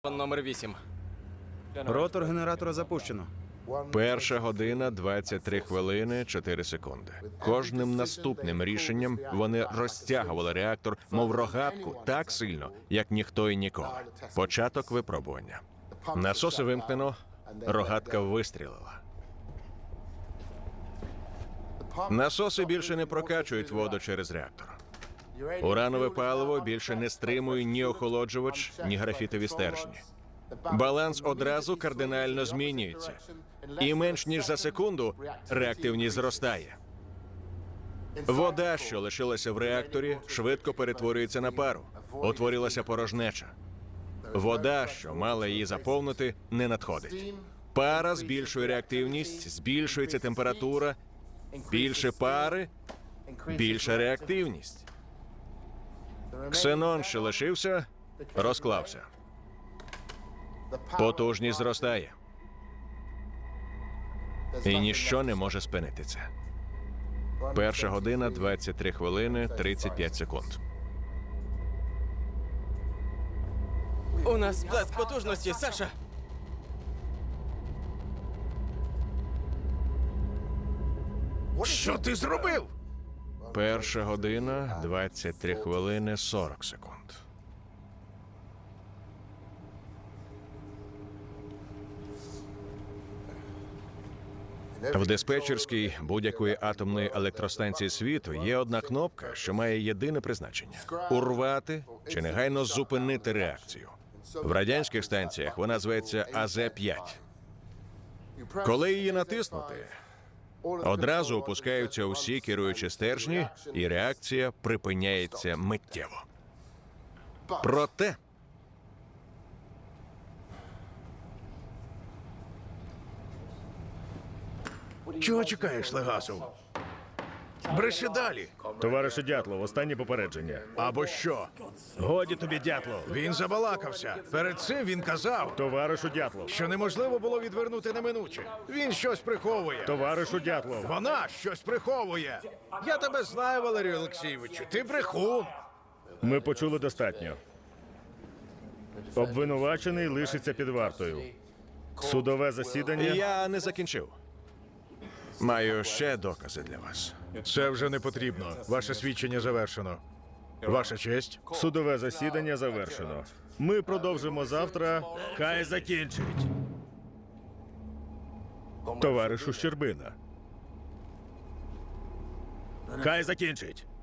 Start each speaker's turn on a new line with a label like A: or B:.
A: Номер 8.
B: Ротор генератора запущено.
C: 1 година 23 хвилини 4 секунди. Кожним наступним рішенням вони розтягували реактор, мов рогатку, так сильно, як ніхто і ніколи. Початок випробування. Насоси вимкнено, рогатка вистрілила. Насоси більше не прокачують воду через реактор. Уранове паливо більше не стримує ні охолоджувач, ні графітові стержні. Баланс одразу кардинально змінюється. І менш ніж за секунду реактивність зростає. Вода, що лишилася в реакторі, швидко перетворюється на пару. Утворилася порожнеча. Вода, що мала її заповнити, не надходить. Пара збільшує реактивність, збільшується температура. Більше пари – більша реактивність. Ксенон, що лишився, розклався. Потужність зростає. І ніщо не може спинити це. 1 година 23 хвилини 35 секунд.
A: У нас сплеск потужності, Саша!
D: Що ти зробив?
C: 1 година 23 хвилини 40 секунд. В диспетчерській будь-якої атомної електростанції світу є одна кнопка, що має єдине призначення – урвати чи негайно зупинити реакцію. В радянських станціях вона зветься АЗ-5. Коли її натиснути, одразу опускаються усі керуючі стержні, і реакція припиняється миттєво. Проте
D: Чого чекаєш, Легасов? Бреши далі.
E: Товаришу Дятлов, останнє попередження.
D: Або що?
E: Годі тобі, Дятлов.
D: Він забалакався. Перед цим він казав,
E: Товаришу Дятлов.
D: що неможливо було відвернути неминуче. Він щось приховує.
E: Товаришу Дятлов.
D: Вона щось приховує. Я тебе знаю, Валерію Олексійовичу. Ти брехун.
E: Ми почули достатньо. Обвинувачений лишиться під вартою. Судове засідання.
C: я не закінчив. Маю ще докази для вас.
D: Це вже не потрібно. Ваше свідчення завершено. Ваша честь.
E: Судове засідання завершено. Ми продовжимо завтра. Хай закінчить. Товаришу Щербина. Хай закінчить.